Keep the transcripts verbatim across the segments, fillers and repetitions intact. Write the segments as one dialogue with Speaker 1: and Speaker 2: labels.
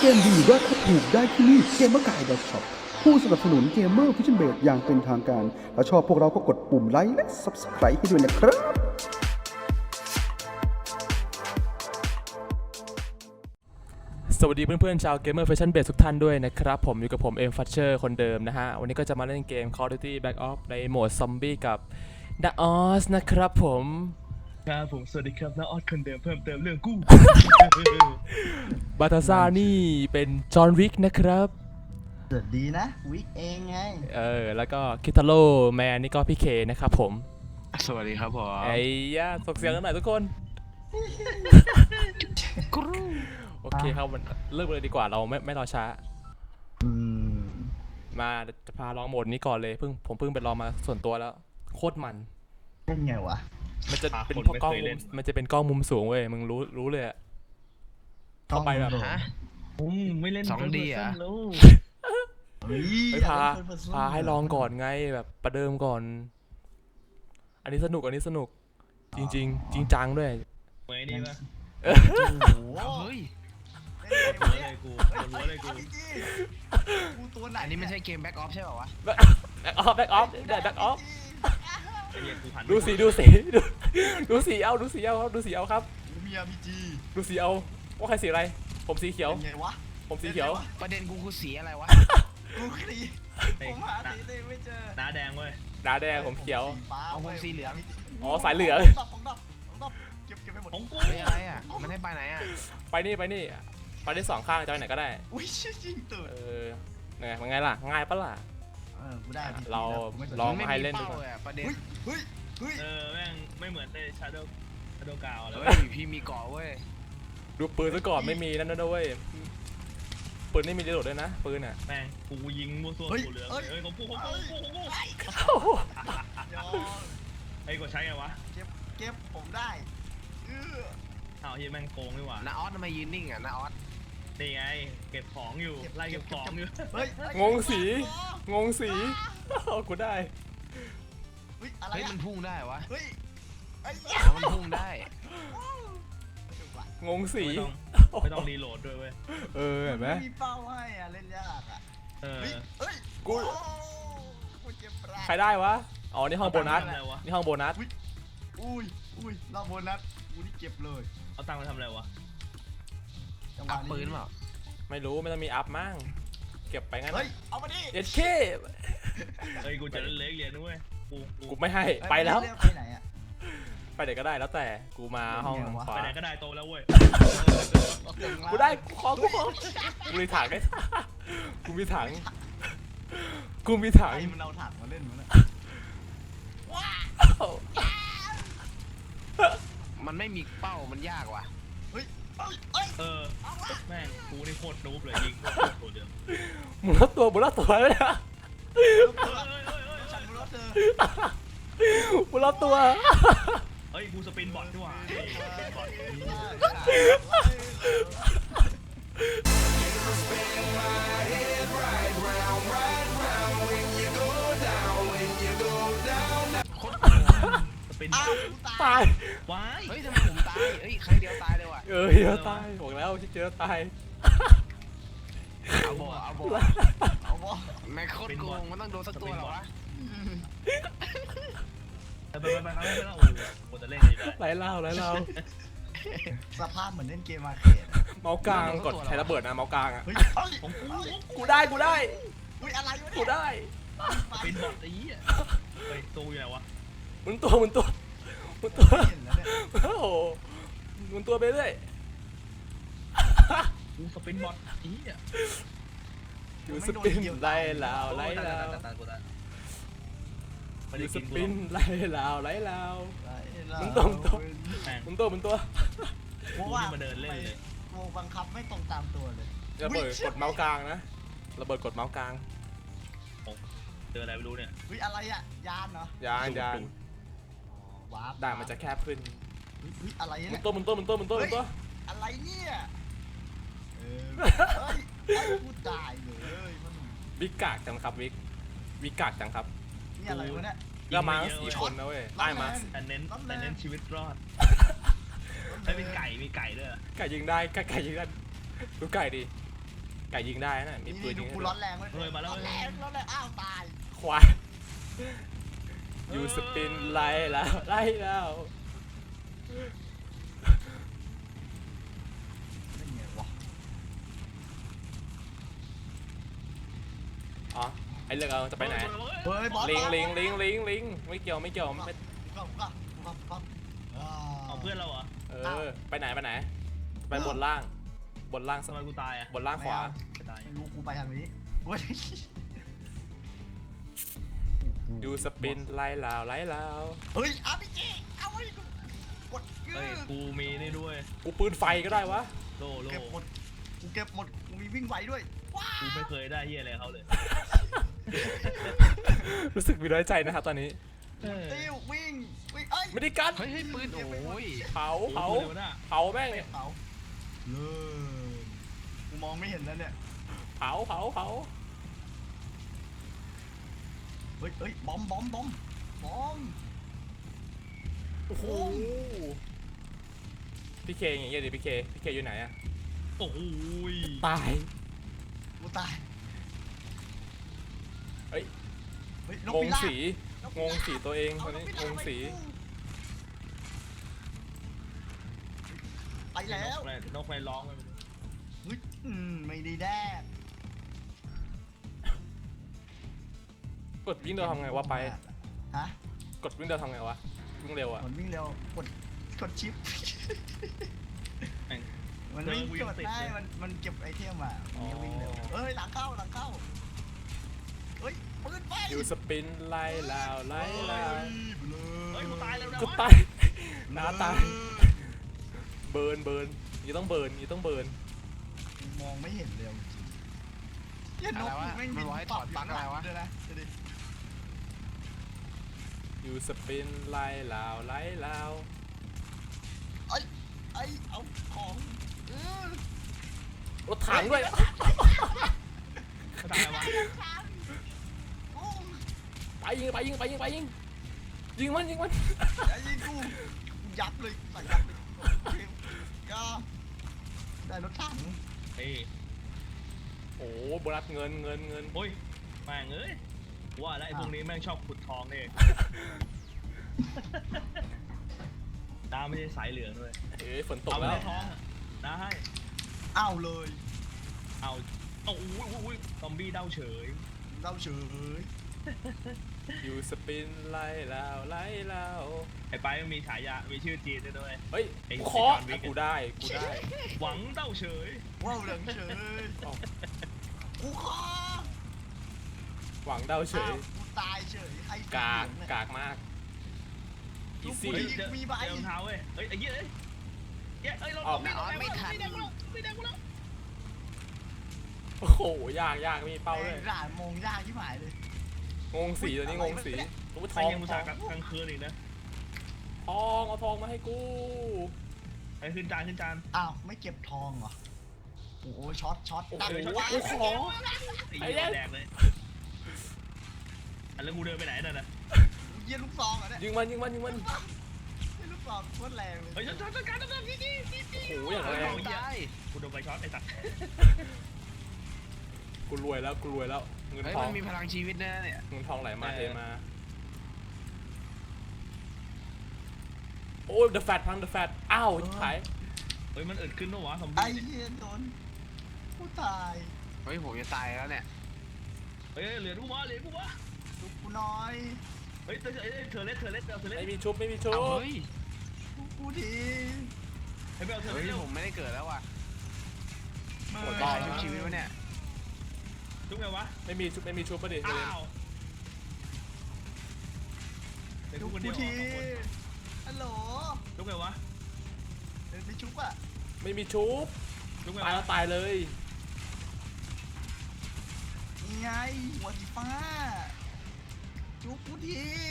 Speaker 1: มดีราคาถูกได้ที่นี่เกมเมอร์กาย .shop ผู้สนับสนุนเกมเมอร์ฟิชเชนเบดอย่างเป็นทางการถ้าชอบพวกเราก็กดปุ่มไลค์และ Subscribe ให้ด้วยนะครับ
Speaker 2: สวัสดีเพื่อนๆชาว Gamer Fashion Base ทุกท่านด้วยนะครับผมอยู่กับผมเอ็มฟัชเชอร์คนเดิมนะฮะวันนี้ก็จะมาเล่นเกม Call of Duty Black Ops ในโหมดซอมบี้กับ The Oz นะครับผม
Speaker 3: ครับผมสวัสดีครับน้าออดคนเดิมเพิ่มเติมเรื่องกู้
Speaker 2: บาตาซ่านี่เป็นจอห์นวิกนะครับ
Speaker 4: สวัสดีนะวิกเองไง
Speaker 2: เออแล้วก็คิทาโร่แมนนี่ก็พี่เคนะครับผม
Speaker 3: สวัสดีครับผม
Speaker 2: ไอ้ย่าส่งเสียงกันหน่อยทุกคน โอเคครับมันเริ่มเลยดีกว่าเราไม่ไม่รอช้า
Speaker 4: อืม
Speaker 2: มาจะพาลองโหมดนี้ก่อนเลยเพิ่งผมเพิ่งไปลองมาส่วนตัวแล้วโคตรมัน
Speaker 4: เป็นไงวะ
Speaker 2: มันจะเป็นกล้องมุมมันจะเป็นกล้องมุมสูงเว้ยมึงรู้รู้เลยอะเข้าไปแบบ
Speaker 4: ฮะ
Speaker 3: ผมไม่เล่น
Speaker 5: สองดีอะ
Speaker 3: แล้ว
Speaker 2: ไปพาพาให้ลองก่อนไงแบบประเดิมก่อน อันนี้สนุกอันนี้สนุกจริงจริงจริงจังด้วย
Speaker 3: ไว้นี่ปะ
Speaker 4: โอ้โห
Speaker 5: เฮ้ย
Speaker 3: หัวเลยกูหัวเลยกู
Speaker 4: กูตัวไหน
Speaker 5: อันนี้ไม่ใช่เกมแบ็กออฟใช่ป่าวะ
Speaker 2: แบ็คออฟแบ็คออฟได้แบ็คออฟ
Speaker 3: ไอ้เหี้ยกูหัน
Speaker 2: ดูสีดูสีดูดูสีเอาดูสีเอาครับดูสีเอาครับ
Speaker 4: มีอาร์พีจี
Speaker 2: ดูสีเอาว่าใครสีอะไรผมสีเขียว
Speaker 4: เป็นไงวะ
Speaker 2: ผมสีเขียว
Speaker 5: ประเด็นกูคือสีอะไรวะ
Speaker 4: กูคลี
Speaker 3: ไอ้
Speaker 4: ผมหาสีเลยไม่เจอ
Speaker 3: น้าแดงเว้ย
Speaker 2: ดาแดงผมเขียว
Speaker 4: ฟ้า
Speaker 5: เอาผมสีเหลือง
Speaker 2: อ๋อสายเหลือง
Speaker 4: ดับของดับของดับเก็บเก็บไปหมด
Speaker 3: ของกู
Speaker 5: เฮ้ยอะไรอ่ะ มันให้ไปไหนอ่ะ
Speaker 2: ไปนี่ไปนี่ไปได้สองข้างจะไปไหนก็ได้
Speaker 4: อุ้ยชิจริงตื่น
Speaker 2: เออไงมันไงล่ะง่ายปะล่ะ
Speaker 4: เออกูได้ R P G
Speaker 2: เรา
Speaker 4: แล้วกูไม่สน
Speaker 2: ลอง
Speaker 5: ไม่
Speaker 2: ให้
Speaker 5: มี
Speaker 2: เล่นดู
Speaker 5: เป้า
Speaker 2: ก่อน
Speaker 5: เลยอะประเด็น
Speaker 4: เฮ้ยเฮ้ยเฮ้ย
Speaker 3: เออแม่งไม่เหมือนในชาโดว์ชาโดว์กาวเลย
Speaker 5: เฮ้
Speaker 3: เว้
Speaker 5: ย
Speaker 3: ย
Speaker 5: พี่มีเกาะเว้ย
Speaker 2: ดูปืนซะก่อนไม่มีนั่นนะเว้ยปืนไม่มีรีโหลดด้วยนะปืนอ่ะ
Speaker 3: แม่งกูยิงมั่วซั่วกูเหลืองเอ้ยของกูของกูของกูของกู
Speaker 4: ยอม
Speaker 3: ไอ้กูใช้ไงวะ
Speaker 4: เก็บเก็บผมได้เออ
Speaker 3: อ้าวเฮียแม่งโกงนี่หว่า
Speaker 5: นาออสทำไมยืนนิ่งอ่ะนาออส
Speaker 3: นี่ไงเก็บของอยู่ไล่เก็บของอยู่
Speaker 4: เฮ้ย
Speaker 2: งงสีงงสีกูได้
Speaker 4: เฮ้ยอะไร
Speaker 5: เฮ้ย
Speaker 4: อะ
Speaker 5: มันพุ่งได้วะ
Speaker 4: เฮ้ยไอ้
Speaker 5: อ๋อมันพุ่งได้
Speaker 2: งงสี
Speaker 3: ไม่ต้องไม่ต้องรีโหลดด้วยเว้ย
Speaker 2: เออเห็นไหม
Speaker 4: มีเป้าให้อะเล่นยากอะ
Speaker 3: เออ
Speaker 4: เฮ้ยเฮ้ย
Speaker 2: กู
Speaker 4: โอ้กูเจ็บปลา
Speaker 2: ใครได้วะอ๋อนี่ห้องโบนัส
Speaker 3: อะไรวะ
Speaker 2: นี่ห้องโบนัส
Speaker 4: อุ้ยอุ้ยรอบโบนัสกูนี่เก็บเลย
Speaker 3: เอาตังค์มาทำอะไรวะ
Speaker 4: จังหวะ
Speaker 5: อัพปืนเปล่า
Speaker 2: ไม่รู้ไม่ต้องมีอัพมั่งเก็บไปงั้น
Speaker 4: เฮ้ยเอามาดิ
Speaker 2: เอ็ดเค
Speaker 3: เฮ้ยกูจะเล็กเรียนด้วยกูกู
Speaker 2: กูไม่ให้ไปแล้ว
Speaker 4: ไปไหนอะ
Speaker 2: ไปไหนก็ได้แล้วแต่กูมาห้อง
Speaker 4: เป็นไงวะ
Speaker 2: ขวา
Speaker 3: ไปไหนก็ได้โตแล้วเว้ย
Speaker 2: กูได้กูขอกูขอกูมีถังไอ้กูมีถังกูมีถัง
Speaker 4: ไอ้มันเอาถังมาเล่นมันอะ
Speaker 5: มันไม่มีเป้ามันยากว่ะ
Speaker 4: เฮ้ยเฮ้ยเฮ้ย
Speaker 3: เออแม่งกูนี่โคตรนูบเลยยิงโคตรตัวเดียว
Speaker 2: หมุนรอบตัวหมุนรอบตัวเลยนะ
Speaker 3: เฮ้ยเฮ้ยเฮ้ยเฮ้ย
Speaker 4: ฉันรู้แล้วเธอ
Speaker 2: หมุนรอบตัว
Speaker 3: เฮ้ยกูสปินบอทดีกว่าบอท สปิน
Speaker 4: อ้าวกูตา
Speaker 2: ตาย ย
Speaker 3: ว้าย
Speaker 5: เฮ้ยทำไมผมตาย เฮ้ยครั้งเดียวตายเลยว่ะ
Speaker 2: เออเดี๋ยวตายบอกแล้วที่เจอตาย
Speaker 5: เอาบ่เอาบ่
Speaker 4: เอาวะ
Speaker 5: แม่งโคตรโกงมันต้องโดนสักตัวเหรอวะ
Speaker 3: ไปไปไปไปไปแล้วโอ้โหกูจะเล่นดีได้
Speaker 2: ไหลเล่าไหลเล่า
Speaker 4: สภาพเหมือนเล่นเกมมาร์เกต
Speaker 2: เมาส์กลางกดใช้ระเบิดนะเมาส์กลางอ่ะ
Speaker 4: เฮ้ยเฮ้ย
Speaker 3: ของกู
Speaker 2: กูได้กูได้
Speaker 4: อุ้ยอะไรวะ
Speaker 2: กู
Speaker 4: เนี่ย
Speaker 2: ได้
Speaker 3: สปินบอทไอ้เหี้ยเฮ้ยตู้อยู่ไหนวะ
Speaker 2: หมุนตัวหมุนตัวหมุนตัว
Speaker 4: เห็นแล้วเนี่ย
Speaker 2: โอ้โหหมุนตัวไปเรื่อย
Speaker 3: กูสปินบอทไอ้เหี้ย
Speaker 2: อยู่สปินไล่ลาวไล่ลาว
Speaker 3: ไม่
Speaker 2: อ
Speaker 3: ได้
Speaker 2: ยู่ส
Speaker 3: กินกู
Speaker 2: ปินไล่ลาวไล่ลาว มึงตรงตรง
Speaker 3: แม่ง
Speaker 2: หมุนตัวหมุนตัว
Speaker 4: เพราะ
Speaker 3: กู
Speaker 4: ว่า
Speaker 3: นี่มาเดินเล่นเลย
Speaker 4: กูบังคับไม่ตรงตามตัวเลย
Speaker 2: ระเบิดกดเมาส์กลางนะระเบิดกดเมาส์กลาง
Speaker 3: เจออะไรไม่รู้เนี่ย
Speaker 4: เฮ้ยอะไรอะยานเหรอย
Speaker 2: านยาน
Speaker 4: วาร์ป
Speaker 2: ด่านมันจะแคบขึ้น
Speaker 4: เฮ้ยเฮ้ยอะไร
Speaker 2: หมุ
Speaker 4: เนี่
Speaker 2: น
Speaker 4: ย
Speaker 2: ตัวหมุนตัวหมุนตัวหมุนตัวหมุนตัว
Speaker 4: อะไรเนี่ยเออเฮ้ยไอ้กูตายเลยมัน
Speaker 2: วิกกากจังครับวิกวิกกากจังครับ
Speaker 4: นี่อะไรวะเนี่ย
Speaker 2: ก็มาสี่คนนะเว้ยได้มา
Speaker 3: แต่เน้นแต่เน้นชีวิตรอดไอ้เป็นไก่มีไก่ด้วย
Speaker 2: ไก่ยิงได้ไก่ไก่ยิงได้ดูไก่ดิไก่ยิงได้นะมี
Speaker 4: นี่
Speaker 2: ปืน
Speaker 4: ดู
Speaker 2: ยิง
Speaker 4: กู
Speaker 2: ให้
Speaker 4: ร้
Speaker 2: ด้
Speaker 4: อ
Speaker 2: วย
Speaker 4: นแรงเลย
Speaker 3: เฮ้ยมาแล้ว
Speaker 4: ร้อนแรงร้อนแรงอ้าวตาย
Speaker 2: ควายยูสปินไล่แล้วไล่แล้ว
Speaker 4: ไม่เงี้ยวะ
Speaker 2: อ๋อไอเรื่องเอาจะไปไหน
Speaker 4: เฮ้ยบอส
Speaker 2: ลิงลิงลิงลิงลิงไม่เกี่ยวไม่เกี่ยวไม่
Speaker 4: ก็ก็ก็ก็อ่า
Speaker 3: เอาเพื่อนเราเหรอ
Speaker 2: เออไปไหนไปไหนไปบนล่างบนล่าง
Speaker 3: ทำไมกูตายอ่ะ
Speaker 2: บนล่างขวา
Speaker 3: ไม่ตาย
Speaker 4: ไม่รู้กูไปทางนี้เว้ย
Speaker 2: ยูสปินไล่แล้วไล่แล้ว
Speaker 4: เฮ้ยอาร์พีจีเอาไว้กูกดยื
Speaker 3: เฮ้ย
Speaker 4: ด
Speaker 3: กูมีนี่ด้วย
Speaker 2: กูปืนไฟก็ได้วะ
Speaker 3: โลโล
Speaker 4: เก็บหมดกูเก็บหมดกูมีวิ่งไหวด้วยว้า
Speaker 3: กูไม่เคยได้เฮียอะไรเขาเลย
Speaker 2: รู้สึกมีน้อยใจนะครับตอนนี้
Speaker 4: ติ้ววิ่งวิ่งเอ้ย
Speaker 2: ไม่ได้กัน
Speaker 5: เฮ้ยเฮ้ยปืนโอ้ย
Speaker 2: เผาเผา
Speaker 3: เร็วนะ
Speaker 2: เผาแม่ง
Speaker 4: เตะเผาเลยกูมองไม่เห็นแล้วเนี่ย
Speaker 2: เผาเผาเผา
Speaker 4: เฮ้ยเฮ้ยบอมบอมบอมบอม
Speaker 2: โอ้โหพี่เคอย่างเงี้ยดิพี่เคพี่เคอยู่ไหนอะ
Speaker 3: โอ้โหย
Speaker 2: ตาย
Speaker 4: กูตาย
Speaker 2: เฮ้ย
Speaker 4: เฮ้ยนก
Speaker 2: งง
Speaker 4: พิราบ
Speaker 2: สี
Speaker 4: นก
Speaker 2: ง
Speaker 4: พิราบ
Speaker 2: งสีตัวเอง
Speaker 4: เอา
Speaker 2: ตอนนี้
Speaker 4: นกพิ
Speaker 2: ง
Speaker 4: ราบ
Speaker 2: งสี
Speaker 4: ไปแล้ว
Speaker 3: นกไฟร้องไป
Speaker 4: เฮ้ยอืมไม่ได้แดก
Speaker 2: กดวิ่งเร็วทำไงวะไป
Speaker 4: ฮะ
Speaker 2: กดวิ่งเร็วทำไงวะวิ่งเร็วอะ
Speaker 4: มันวิ่งเร็วกดกดชิป มันวิ่งกดได้มันมันเก็บไอเทมอ่ะมันจะวิ่งเร็วเอ้ยหลังเข้าหลังเข้าเฮ้ยปืนไฟ
Speaker 2: ยูสปินไล่แล้วไล่แล้ว
Speaker 3: เฮ้ยกูตายแล้วนะ
Speaker 2: กูตายน้าตายเบิร์นเบิร์นยี่ต้องเบิร์นยี่ต้องเบิร์น
Speaker 4: มองไม่เห็นเลยจริงเหี้ยน
Speaker 5: อะ
Speaker 4: ก
Speaker 5: ไรวะ
Speaker 4: แม่ง
Speaker 5: มันบอกให้ถอดปลั๊กอะไรวะ
Speaker 4: ด้วยนะดูดิ
Speaker 2: ยูสปินไล่แล้วไล่แล้ว
Speaker 4: ไอ้ไอ้เอาของเออ
Speaker 2: รถถังด้วย
Speaker 3: ตายแล้ววะ
Speaker 4: โอ้
Speaker 2: ไปยิงไปยิงไปยิงไปยิงยิงมันยิงมัน
Speaker 4: ไอ้ยิงกูยับเลยใส่ยับเลยก็ได้รถถัง
Speaker 3: เฮ้ย
Speaker 2: โอ้โบนัสเงินเงินเงิน
Speaker 3: โอ้ยแม่งเอ้ยว่าแล้วไอ้พวกนี้แม่งชอบขุดทองเองตาไม่ใช่สายเหลืองด้วย
Speaker 2: เอ้ยฝนตก
Speaker 3: เอาไป
Speaker 2: แล้ว
Speaker 3: ได้ทองนะให้
Speaker 4: เอาเลย
Speaker 3: เอาโอ้โหอุ้ยซอมบี้เด้าเฉย
Speaker 4: เราเฉย
Speaker 2: ยูสปินไล่แล้วไล่แล้ว
Speaker 3: ไอ้ไปมันมีฉายา มีชื่อจีนด้วยด้วย
Speaker 2: เฮ้ย
Speaker 3: ไอ้
Speaker 2: กูขอ
Speaker 3: ไอ้จอห์นวิก
Speaker 2: กูได้กูได้
Speaker 3: หวังเด้าเฉย
Speaker 4: ว้าวเหลืองเฉย
Speaker 2: เอา
Speaker 4: กูขอ
Speaker 2: หวังเดาเฉย
Speaker 4: อ้าวกูตายเฉยไอ้
Speaker 2: กาก
Speaker 4: เหลืองเนี่ย
Speaker 2: กากมากอี
Speaker 4: ลู
Speaker 2: ซี่
Speaker 4: ก
Speaker 3: เฮ้ย
Speaker 4: ผู้หญิง
Speaker 3: เจอ
Speaker 4: มีใบ
Speaker 3: เจอรองเท้าเว้ย เฮ้ยไอ้เหี้ยเอ้ยเหี้ยเอ้ยเรา
Speaker 2: ออก
Speaker 3: ไม่
Speaker 5: ออกไม่ทัน
Speaker 3: ไม่แดงกูแล้วไม่แดงกูแล้ว
Speaker 2: โอ้โหยากยากมีเป้าด้วย
Speaker 4: แม่งด่านโมงยากที่หมายเลย
Speaker 2: งงสีตัวนี้งงสีตัวท
Speaker 3: ไอ้
Speaker 2: อง
Speaker 3: ยังมุต
Speaker 2: ท
Speaker 3: ส่า
Speaker 2: อง
Speaker 3: ห์กลางคืนอีกนะ
Speaker 2: ทองเอาทองมาให้กู
Speaker 3: ไอ้ขึ้นจานขึ้นจาน
Speaker 4: อ้าวไม่เก็บทองเหรอโอ้โหช็อตช็อต
Speaker 2: โอ้โห
Speaker 4: ดักเลย
Speaker 2: โอ้โห
Speaker 3: ไอ้เหี้ยแดงเลยอันแล้วกูเดินไปไหนนั่นน่ะ
Speaker 4: เยี่ยลูกซองเหรอเนี่ย
Speaker 2: ยิงมันยิงมันยิงมัน
Speaker 4: เยี่ยลูกซองโคตรแรงเลย
Speaker 3: เฮ้ยช็อตช็อตช็อตการดำเนินนี่นี่นี่นี่
Speaker 2: โอ้โหอย่างแรง
Speaker 5: ตาย
Speaker 3: กูโดนไฟช็อตไอ้สัตว์
Speaker 2: กูรวยแล้วกูรวยแล้วเงิน
Speaker 5: เฮ้ย
Speaker 2: ทอ
Speaker 5: มั
Speaker 2: ง
Speaker 5: นมีพลังชีวิตนะเนี่ย
Speaker 2: เงินทองไหลมาเทมาโอ้ย the fat พัง the fat อ้าวชิบหาย
Speaker 3: เฮ้ยมันอึดขึ้นปะวะซอม
Speaker 4: ไอ้
Speaker 3: บี้
Speaker 4: เหี้ยโดนกูตาย
Speaker 5: เฮ้ยผมจะตายแล้วเนี่ย
Speaker 3: เฮ้ยเหลือกูวะเหลือกูวะ
Speaker 4: ลูกกูน้อย
Speaker 3: เฮ้ยเธอเธอเล็ดเธอเล็ดเธอเล็ด
Speaker 2: ไม่มีชุบไม่มีชุบ
Speaker 5: เอาเฮ้ย
Speaker 4: ลูกกูที
Speaker 3: ให้ไปเอาเธอ
Speaker 5: เฮ้
Speaker 3: เล็
Speaker 5: ย
Speaker 3: ด
Speaker 5: ผมไม่ได้เกิดแล้วว่ะ
Speaker 4: ไม่
Speaker 2: โหด
Speaker 5: ตา
Speaker 2: บ้าย
Speaker 5: ชุบชีวิตวะเนี่ย
Speaker 3: ทุกไงวะ
Speaker 2: ไม่มีชุบไม่มีชุบปะดิ
Speaker 3: อ้าวเป็น
Speaker 4: ลู
Speaker 3: กู
Speaker 4: ก
Speaker 3: คนเดี
Speaker 4: กู
Speaker 3: ยว
Speaker 4: ที
Speaker 3: สองคน
Speaker 4: ฮัลโหล
Speaker 3: ทุกไงวะ
Speaker 4: เดินไปชุบอ่ะ
Speaker 2: ไม่มีชุบ
Speaker 3: ทุกไง
Speaker 2: ตายแล้ว
Speaker 3: วะ
Speaker 2: ตายเลย
Speaker 4: นี่ไงหัวสีฟ้าชุบกูที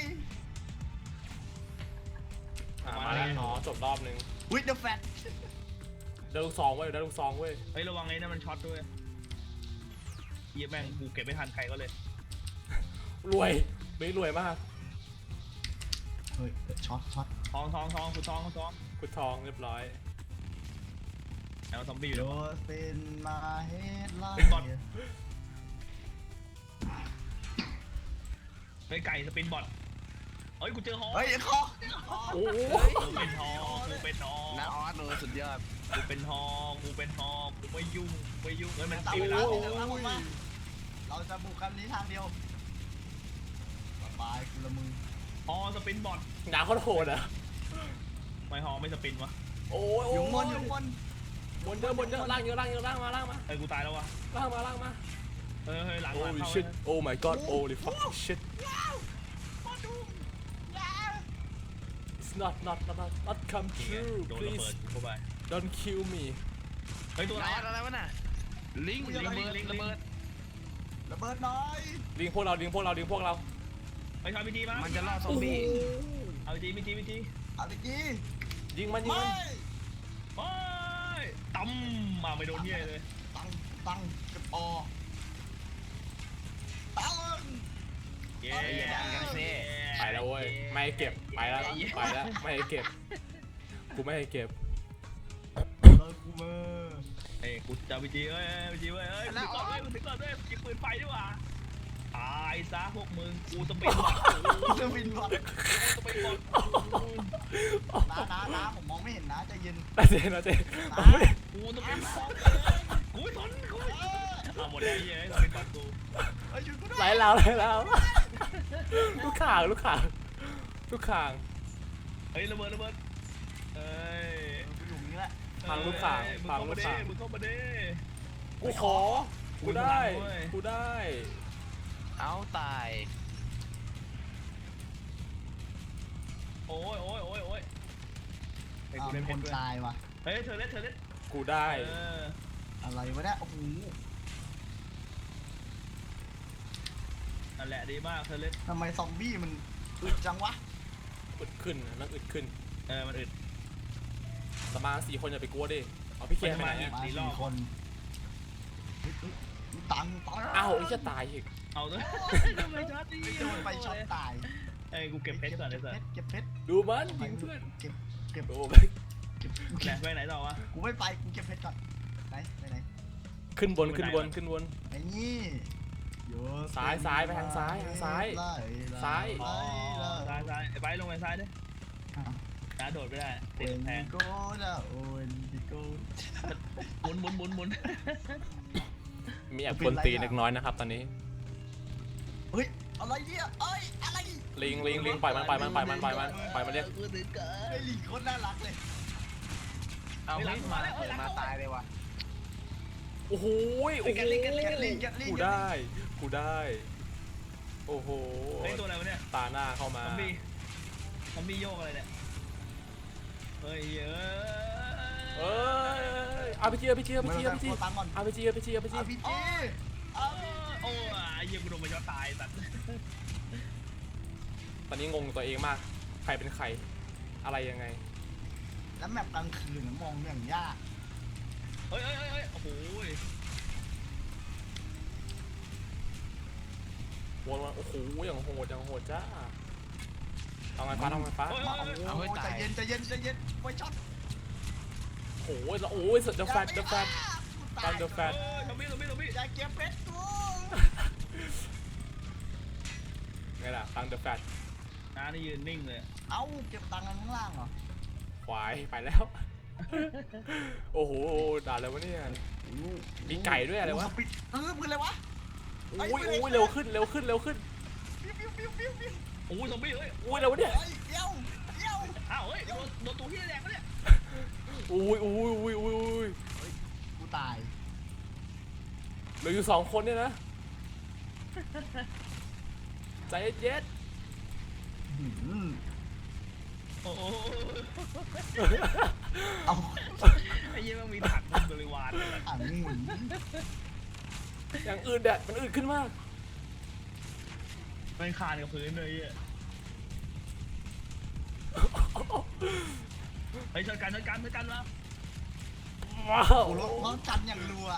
Speaker 2: อ่ะมาแล้วอ๋อจบรอบหนึง
Speaker 4: วิดเดอะแฟต
Speaker 2: ได้ลูกซองเว้ยได้ลูกซองเว้ย
Speaker 3: เฮ้ยระวังไอ้นั่นมันช็อตด้วยเยี่ยแม่งกูเก็บไม่ทันใครก็เลย
Speaker 2: รวยไม่รวยมาก
Speaker 4: เฮ้ยช็อตช็อต
Speaker 3: ทองทองทองกูทองกูทอง
Speaker 2: กุดทองเรียบร้อย
Speaker 3: แล้วซอมบี้อยู่
Speaker 4: โด
Speaker 3: ด้วย
Speaker 4: สเป็นมาเฮดไล
Speaker 3: เป็นบอท เฮ้ยไก่สปินบอทเฮ้ยกูเจอฮอ
Speaker 4: เฮ้ยคอ
Speaker 2: โอ้โห
Speaker 3: กูเป็นฮอกูเป็นฮอ
Speaker 5: น้าออสเลยสุดยอด
Speaker 3: กูเป็นฮอกูเป็นฮอกูไม่ยุ่งไม่ยุ่งเฮ้ยมัน
Speaker 4: ตาม
Speaker 3: ติ
Speaker 4: เว
Speaker 3: ด
Speaker 4: ลา
Speaker 3: แล้ว
Speaker 4: เดี๋ยวตามผมมาเราจะบุกกันนี้ทางเดียวสบายกูละมึง
Speaker 3: ฮอสปินบอท
Speaker 2: หนาโคตรโหดอ่ะ
Speaker 3: ไม่ฮอไม่สปินวะ
Speaker 2: โอ้ย
Speaker 4: อ
Speaker 2: โอ้
Speaker 4: ยู่
Speaker 2: ย
Speaker 4: บนอยู่บน
Speaker 2: บนเยอะบนเยอะล่างเยอะล่างเยอะล่างมาล่างมา
Speaker 3: เฮ้ยกูตายแล้ววะ
Speaker 2: ล่างมาล่างมา
Speaker 3: เฮ้ยเฮ้ยหลัง
Speaker 2: โอ้
Speaker 3: หลัง
Speaker 2: ย
Speaker 3: เข้า
Speaker 2: shit oh my god holy fuck shit
Speaker 4: มาดู
Speaker 2: it's not not not not not come
Speaker 3: จริงไง
Speaker 2: true
Speaker 3: โดนระเบิด
Speaker 2: please
Speaker 3: เข้าไป
Speaker 2: don't kill me
Speaker 3: เฮ้ยตัวอะไร
Speaker 5: น้าออสอะไรวะน่ะลิงลิง
Speaker 3: ลิงลิง
Speaker 5: ระเบิด
Speaker 4: ระเบิดหน่อย
Speaker 2: ลิงพวกเราลิงพวกเราลิงพวกเรา
Speaker 3: ไปทำพิธีมา
Speaker 5: มันจะล่อซอมบี้
Speaker 3: เอาพิธีพิธีพิธี
Speaker 4: เอาตะกี้
Speaker 2: ยิงมันยิง
Speaker 4: ไม่
Speaker 2: มัน
Speaker 3: โอ้ยตั้มมาไม่โดนเหี้ยเลย
Speaker 4: ตังตังเก็บออตัง
Speaker 3: เย้
Speaker 5: อย่าดังกันสิ
Speaker 2: ไปแล้วเว้ยไม่ให้เก็บไปแล้วไปแล้วไม่ให้เก็บกูไม่ให้เก็บ
Speaker 4: เลิกกูเบอร์
Speaker 3: เอ้ยกูจะพิธีเอ้ยพิธีเว้ยเอ้ยถึงก่อนเว้ยถึงก่อนเว้ยกินปืนไฟดีกว่าตายซะพวกมึงกูสปินบอท
Speaker 4: กูจะบินบอล
Speaker 3: สปินบอท
Speaker 4: น้าน้าน้าผมมองไม่เห็นนะใจเย็น
Speaker 2: นะเจนนะเจน
Speaker 3: กูสปินบอทกูไม่ทนกูไม่ทนเอาหมดแล้วไอ้เหี้ยสปินบอทกู
Speaker 4: เฮ้ยช่วยกูด้วย
Speaker 2: ไหลแล้วไหลแล้วลูกข่างลูกข่างลูกข่าง
Speaker 3: เฮ้ยระเบิดระเบิดเอ้ย
Speaker 4: กูอยู่นี่แหละ
Speaker 2: พังลูกข่าง
Speaker 3: เอ้ยมึง
Speaker 2: พัง
Speaker 3: เข้า
Speaker 2: ลู
Speaker 3: มาก ดิ
Speaker 2: ข่าง
Speaker 3: มึงเข้ามาดิ
Speaker 2: กูขอกูได้กูได้
Speaker 5: เอาตาย
Speaker 3: โอ้ยโอ้ยโอ้ยโอ้ยเฮ้ย
Speaker 4: อ้า
Speaker 3: กู
Speaker 4: ว
Speaker 3: เล่น
Speaker 4: ค
Speaker 3: เพช
Speaker 4: น
Speaker 3: รด้วย
Speaker 4: ตายว่ะ
Speaker 3: เฮ้ยเธอเล่นเธอเล่น
Speaker 2: กูได้
Speaker 3: เออ
Speaker 4: อะไรวะเนี่ยโอ้โห
Speaker 3: นั่นแหละดีมากเธอเล่น
Speaker 4: ทำไมซอมบี้มันอึดจังวะ
Speaker 2: อึดขึ้นนั่งอึดขึ้น
Speaker 3: เออมันอึด
Speaker 2: สมาสี่คนอย่าไปกลัวดิเอาพี่เคียนไปไหน
Speaker 3: ไม่
Speaker 2: อะ
Speaker 3: มา
Speaker 4: มา
Speaker 3: สี่
Speaker 4: สี่
Speaker 3: รอบ
Speaker 4: คนเฮ้ยเฮ้ยตังตัง
Speaker 2: อ้าวไอ้จะตายอีก
Speaker 3: เอาด้วยทำไมช็อตดี
Speaker 4: โดนไปช็อตตาย
Speaker 3: เอ้ยกูเก็บเพชรก่อนเลยสิ
Speaker 4: เก็บเพชร
Speaker 2: ดูมันยิงเพื่อน
Speaker 4: เก็บเก็บ
Speaker 2: ดู
Speaker 4: เก็บ
Speaker 2: มัน
Speaker 4: เก็บ
Speaker 3: ไหนไปไหนต่อวะ
Speaker 4: กูไม่ไปกูเก็บเพชรก่อนไหนไปไหน
Speaker 2: ขึ้นบนขึ้นบนขึ้นบน
Speaker 4: ไอ้นี่โย
Speaker 2: ซ้ายซ้ายไปทางซ้ายทางซ้าย
Speaker 4: ไล่ไล่
Speaker 2: ซ้าย
Speaker 3: อ๋อ
Speaker 4: ไล่
Speaker 3: ซ้ายซ้ายไอ้ไปลงไปซ้ายดิ
Speaker 4: อ้าว
Speaker 3: น้าโดดไม่ได้ติด
Speaker 4: When
Speaker 3: กำแพง
Speaker 4: you go down when you go
Speaker 3: หมุนหมุนหมุนหมุน
Speaker 2: มีแอบกวนตีนเล็กน้อยนะครับตอนนี้
Speaker 4: เฮ้ยอะไรเนี่ยเอ้ยอะไร
Speaker 2: ลิงลิงลิงปล่อยมันปล่อยมันปล่อยมันปล่อยมันปล่อยมันเรียก
Speaker 3: กูถึงเกิน
Speaker 4: ไอ้ลิงโคตรน่ารักเลย
Speaker 5: เอาเฮ้ยมาเปิดมาตายเลยว่ะ
Speaker 2: โอ้โหโอ้โหกูได้กูได้โอ้โห
Speaker 3: เฮ้ยตัวอะไรวะเนี่ย
Speaker 2: ตาหน้าเข้า
Speaker 3: ซ
Speaker 2: มา
Speaker 3: อมบี้ซอมบี้โยกอะไรเนี่ยเฮ้ยเอ้
Speaker 2: เอ้
Speaker 3: ย
Speaker 2: ยเอาไปจีเอาไปจีเอาไป
Speaker 4: ไม่
Speaker 2: จี
Speaker 4: ต้
Speaker 2: เอา
Speaker 4: อง
Speaker 2: ไปจี
Speaker 4: ตังก่อน
Speaker 2: เอาไปจีเอาไปจีเอาไปจี
Speaker 4: อาพีจีอา
Speaker 3: โอ้ยไอ้เหี้ยกูโดนมาย้อนตายสัตว์
Speaker 2: ตอนนี้งงตัวเองมากใครเป็นใครอะไรยังไง
Speaker 4: แล้วแมปกลางคืนมองอย่างยาก
Speaker 3: เฮ้ยเฮ้ยเฮ้ยโอ้โห
Speaker 2: วนมาโอ้โหอย่างโหดอย่างโหดจ้าเอาไงฟ้าเอาไงฟ้า
Speaker 3: เฮ้ย
Speaker 4: มาโอ้ใจเย็นใจเย็นใจเย็นไว้ช็อต
Speaker 2: โอ้โหแล้วโอ้ยสุดจะแฟตจะแฟต
Speaker 4: ตาย
Speaker 2: เดอะแฟต
Speaker 3: เฮ้ยซอมบี้ซอมบี้ซอมบี้
Speaker 4: อย่าเก็บเพชรกู
Speaker 2: ไงล่ะตังเดอะแฟต
Speaker 3: น้านี่ยืนนิ่งเลย
Speaker 4: เอ้าเก็บตังค์กันข้างล่างเหรอ
Speaker 2: ควายไปแล้ว โอ้โหด่าอะไรวะเนี่ยมีไก่ด้วยอะไรวะ
Speaker 4: ปิดเออปืนอะไรวะ
Speaker 2: โอ้ยโอ้ยเร็วขึ้นเร็วขึ้นเร็วขึ้น
Speaker 4: ปิ้วปิ้วปิ้วปิ้วปิ้ว
Speaker 3: โอ้ยซอมบี้เฮ้ย
Speaker 2: โอ้ยเร็วเนี่ย
Speaker 4: เฮ้ยเดี๋ยวเดี๋ยว
Speaker 3: อ้าวเฮ้ยโดนโดนตัวที่แดงปะเนี่ย
Speaker 2: โอ้ยโอ้ยโอ้ยโอ้ยโอ้ย
Speaker 4: กูตาย
Speaker 2: เหลืออยู่สองคนเนี่ยนะใจเย็น
Speaker 4: หืม
Speaker 3: โอ้โห
Speaker 4: เอา
Speaker 3: ไอ้เหี้ยมันมีถังบริวารเลย
Speaker 4: อ่างหมุน
Speaker 2: ๆอย่างอื่นเด็ดมันอื่นขึ้นมาก
Speaker 3: มันคานกับพื้นเลยอ่ะเฮ้ยชนกันชนกันชนกันแล้ว
Speaker 2: ว้าว
Speaker 4: กูรถรถจันอย่างรัว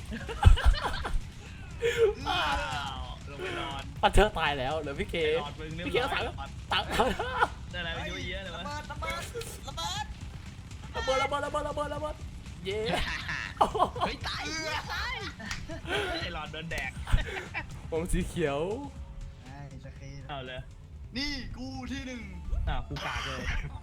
Speaker 3: อ้าวลงไปนอน
Speaker 2: ปัดเธอตายแล้วเหลือพี่เก
Speaker 3: ไปนอนมึงเรียบ
Speaker 2: พี่เก
Speaker 3: ร้
Speaker 2: ก็
Speaker 3: อย
Speaker 2: ตายแล้วตายแล้ว
Speaker 3: ได้อะไรไปเยอะแยะเลยวะ
Speaker 4: ระเบิดระเบิดระเบิด
Speaker 2: ระเบิดระเบิดระเบิดระเบิดระเบิดระเบิดเย้
Speaker 5: เฮ้ยตายตาย
Speaker 3: ไอ้หลอดโดนแดก
Speaker 2: ผมสีเขียว
Speaker 4: ไอ้สกี
Speaker 3: เอาเลย
Speaker 4: นี่กูที่หนึ่ง
Speaker 3: อ่ากูกาดเลย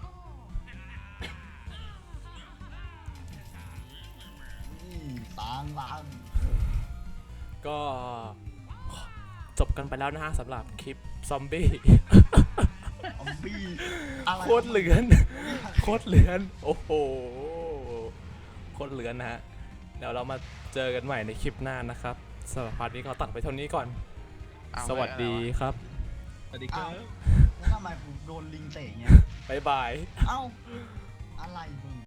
Speaker 4: นี่ตางลาง
Speaker 2: ก็จบกันไปแล้วนะฮะสำหรับคลิปซอมบี้
Speaker 4: อมบี้อะไร
Speaker 2: โคตรเหลือน โคตรเหลือน โอ้โห โคตรเหลือนนะฮะ เดี๋ยวเรามาเจอกันใหม่ในคลิปหน้านะครับสำหรับพาร์ทนี้ก็ตัดไปเท่านี้ก่อน สวัสดีครับ
Speaker 3: สวัสดีครับ
Speaker 4: แล้วทำไมกูโดนลิงเตะเงี้ย
Speaker 2: บ๊ายบาย
Speaker 4: เอ้า อะไรมึง